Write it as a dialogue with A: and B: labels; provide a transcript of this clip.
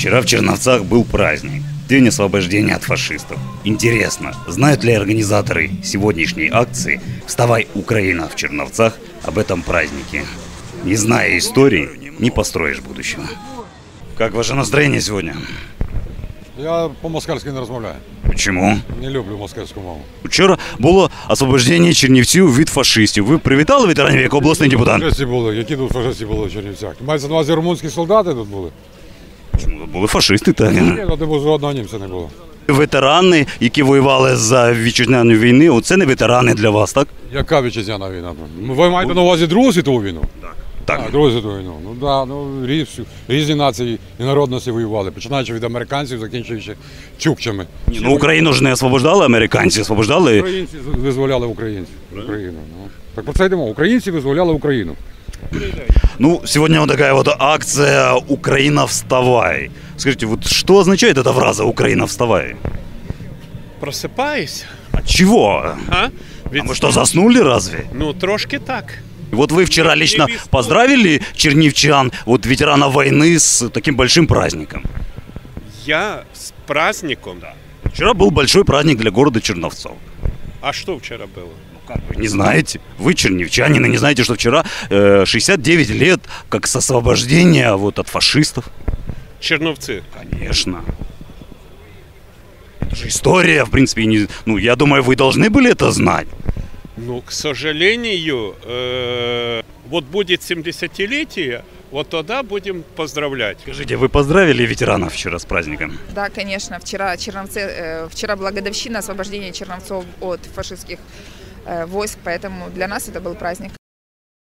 A: Вчера в Черновцах был праздник. День освобождения от фашистов. Интересно, знают ли организаторы сегодняшней акции «Вставай, Украина» в Черновцах об этом празднике? Не зная истории, не построишь будущего. Как ваше настроение сегодня?
B: Я по-москальськи не розмовляю.
A: Почему?
B: Не люблю москальську мову.
A: Вчора було освобождення чернівців від фашистів. Ви привітали ветеранів як обласний депутат?
B: Фашисти були. Які тут фашисти були в Чернівцях? Мається на увазі румунські солдати тут були?
A: Чому тут були фашисти? Так.
B: Ні, тут жодного німця не було.
A: Ветерани, які воювали за вітчизняну війну, це не ветерани для вас, так?
B: Яка вітчизняна війна? Ви маєте на увазі Другу світову війну?
A: Так.
B: Другу світову війну. Ну так, різні нації і народності воювали, починаючи від американців, закінчуючи чукчами.
A: Ну, Україну ж не освобождали американці, освобождали.
B: Українці визволяли українців. Україну. Так про це йдемо. Українці визволяли Україну.
A: Ну, сегодня вот такая вот акция «Украина, вставай». Скажите, вот что означает эта фраза «Украина, вставай»?
C: Просипаюся.
A: От чего?
C: А?
A: А мы что, заснули разве?
C: Ну, трошки так.
A: Вот вы вчера лично поздравили чернівчан, вот ветеранов войны, с таким большим праздником.
C: Я з праздником.
A: Вчера был большой праздник для города Черновцов.
C: А що вчора було?
A: Как вы не знаете? Вы чернівчанин и не знаете, что вчера 69 лет как с освобождения вот от фашистов?
C: Черновці.
A: Конечно. Это же история, в принципе, не... ну, я думаю, вы должны были это знать.
C: Ну, к сожалению, вот будет 70-летие, вот тогда будем поздравлять.
A: Скажите, вы поздравили ветеранов вчера с праздником?
D: Да, конечно. Вчера была годовщина освобождения Черновцов от фашистских войск, поэтому для нас это был праздник.